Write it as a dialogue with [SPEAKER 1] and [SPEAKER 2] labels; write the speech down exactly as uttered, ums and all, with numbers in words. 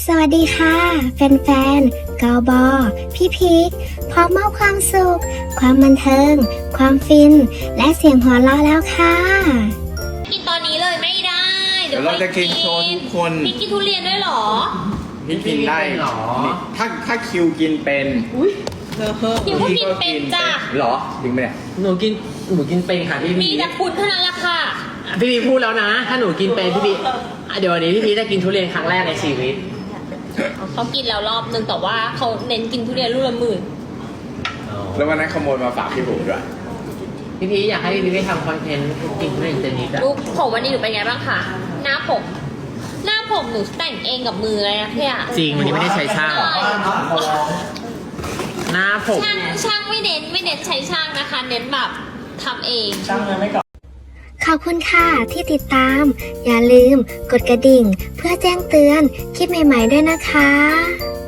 [SPEAKER 1] สวัสดีค่ะแฟนๆกอบอพี่พีคพร้อมมอบความสุข ความบันเทิง ความฟิน และเสียงหัวเราะแล้วค่ะ
[SPEAKER 2] กินตอนนี้เลยไม่ได้
[SPEAKER 3] เดี๋ยวเราจะกินโชว์ทุกคน
[SPEAKER 2] พี่กินทุเรียนด้วยเหรอ
[SPEAKER 3] พี่กินได้
[SPEAKER 4] พี่กินเหรอ
[SPEAKER 3] ถ้าถ้าคิวกินเป็น
[SPEAKER 2] คิวก็กินเป็นจ้ะ
[SPEAKER 3] เหรอจริงไหมเนี่ย
[SPEAKER 4] หนูกินหนูกินเป็นค่ะพี่
[SPEAKER 2] มี
[SPEAKER 4] พี
[SPEAKER 2] แต่คุณเท่านั้นแหละค่ะ
[SPEAKER 4] พี่พีพูดแล้วนะ ถ้าหนูกินเป็นพี่พีอ่ะเดี๋ยววันนี้พี่พีจะกินทุเรียนครั้งแรกในชีวิต
[SPEAKER 2] เขากินแล้วรอบนึงแต่ว่าเขาเน้นกินทุเรียนลูกละหมื่น
[SPEAKER 3] แล้ววันนั้นขโมยมาฝากพี่หูด้วย
[SPEAKER 4] พี่พีอยากให้พี่พีไปทำคอนเทนต์กินทุเรียนเจนิดอะ
[SPEAKER 2] ลูกผมวันนี้หนูเป็นไงบ้างคะหน้าผม หน้าผมหนูแต่งเองกับมือเลยนะพี่อะ
[SPEAKER 4] จริงวันนี้ไม่ได้ใช้ช่างหน้าผม
[SPEAKER 2] ช่างช่างไม่เน้นไม่เน้นใช้ช่างนะคะ เน้นแบบทำเอง
[SPEAKER 1] ขอบคุณค่ะที่ติดตาม อย่าลืมกดกระดิ่ง เพื่อแจ้งเตือนคลิปใหม่ๆด้วยนะคะ